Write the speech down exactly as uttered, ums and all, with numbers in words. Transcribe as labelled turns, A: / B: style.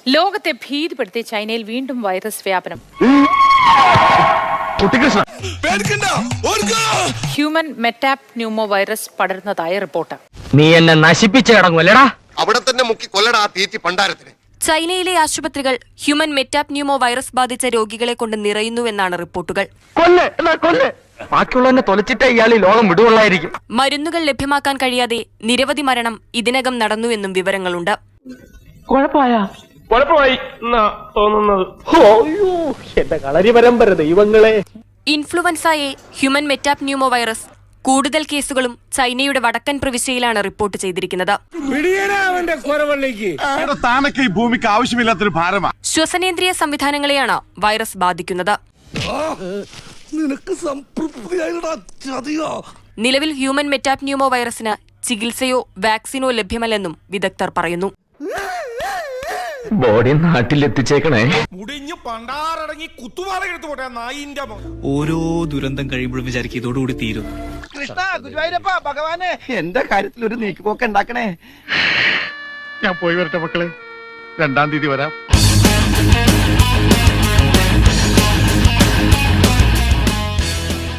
A: ലോകത്തെ ഭീതിപ്പെടുത്തി ചൈനയിൽ വീണ്ടും വൈറസ് വ്യാപനം. ഹ്യൂമൻ മെറ്റാപ്ന്യൂമോ വൈറസ് പടരുന്നതായി റിപ്പോർട്ട്.
B: നീ എന്നെ നശിപ്പിച്ചു കിടങ്ങുമല്ലേടാ.
C: അവിടെ തന്നെ മുക്കി കൊല്ലടാ തീറ്റി പണ്ടാരത്തിന്.
D: ചൈനയിലെ ആശുപത്രികൾ ഹ്യൂമൻ മെറ്റാപ്ന്യൂമോ വൈറസ് ബാധിച്ച രോഗികളെ കൊണ്ട് നിറയുന്നുവെന്നാണ് റിപ്പോർട്ടുകൾ.
B: ബാക്കിയുള്ളവനെ തൊലച്ചിട്ട് ഇയാൾ ഈ ലോകം വിടുകൊള്ളായിരിക്കും.
D: മരുന്നുകൾ ലഭ്യമാക്കാൻ കഴിയാതെ നിരവധി മരണം ഇതിനകം നടന്നുവെന്നും വിവരങ്ങളുണ്ട്. Influenza A human metapneumovirus കൂടുതൽ കേസുകളും ചൈനയുടെ വടക്കൻ പ്രവിശ്യയിലാണ് റിപ്പോർട്ട് ചെയ്തിരിക്കുന്നത്. ശ്വസനേന്ദ്രിയ സംവിധാനങ്ങളെയാണ് വൈറസ് ബാധിക്കുന്നത്. നിലവിൽ ഹ്യൂമൻ മെറ്റാപ്ന്യൂമോ വൈറസിന് ചികിത്സയോ വാക്സിനോ ലഭ്യമല്ലെന്നും വിദഗ്ധർ പറയുന്നു.
B: ബോഡി നാട്ടിലെത്തിച്ചേക്കണേ.
E: ഓരോ ദുരന്തം കഴിയുമ്പോഴും വിചാരിക്കും ഇതോടുകൂടി തീരും.
F: കൃഷ്ണ ഗുരുവായൂരപ്പ ഭഗവാനെ എന്റെ കാര്യത്തിൽ ഒരു നീക്കുപോക്ക് ഉണ്ടാക്കണേ.
C: ഞാൻ പോയി വരട്ടെ മക്കളെ, രണ്ടാം തീയതി വരാം.